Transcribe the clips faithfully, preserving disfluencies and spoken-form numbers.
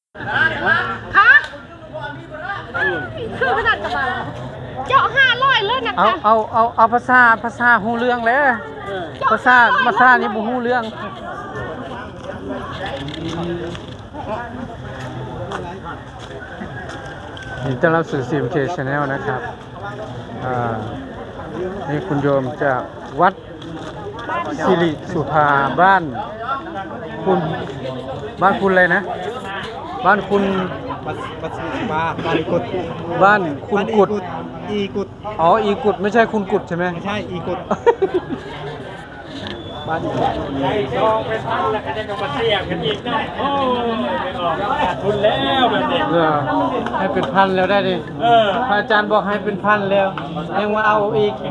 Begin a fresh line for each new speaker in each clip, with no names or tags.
คะคือขนาดกระบาเจาะห้าร้อยเลยนะ
เอา
คะ
เอาเอาเอาภาษาภาษาฮู้เรื่องเลยภาษาภาษานี่บ่ฮู้เรื่องยินดีต้อนรับสู่ ซี เอ็ม เค Channel นะครับอ่านี่คุณโยมจากวัดสิริสุภาบ้านคุณบ้านคุณอะไรนะ บ้านคุณ
บัสบัสสิบาบ้านอีกุด
บ้านคุณกุด
อีกุด
อ๋ออีกุดไม่ใช่คุณกุดใช่ไหม
ไม่ใช่อีกุดบ้านอีกุด
ไอ้ซองไปพันแล้วก็จะมาเสียบกันอีกนะโอ้ไม่ออกขาดทุนแล้วแบบนี้
เออให้เป็นพันแล้วได้ดิ
เออ
พระอาจารย์บอกให้เป็นพันแล้วยังมาเอาอีก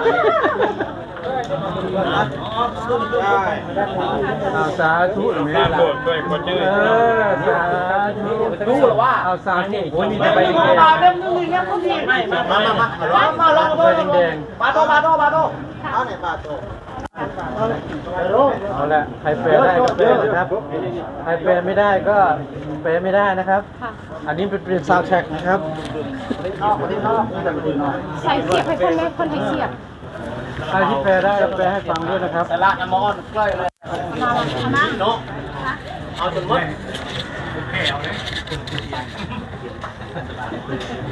เอาสาธุแม่
ตาม
ล่ะ
โบสถ์ด้วยคนชื่อ
เออสาธุรู้หรือว่าเอาสาธุโอ้ยมีแต่ใบแดง
มาเล่มนึงเลยครับพี่ไม่มามามามามาลอง
ใบแดง
บาโตบาโตบาโตเอาไหนบาโต
เอาละใครแปลได้ก็แปลนะครับใครแปลไม่ได้ก็แปลไม่ได้นะครับ อันนี้เป็นเป็นซาวด์แทร็กนะครับ
ใส่เสียบให้คนเล็กคนให้เสียบ
ใครที่แปลได้แปลให้ฟังด้วยนะครับ
ละน้ำมอนใกล้เลย
มาเอามา
เนาะเอาจนหมด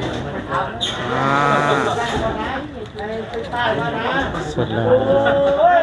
อ่าเสร็จแล้ว
โอ้ย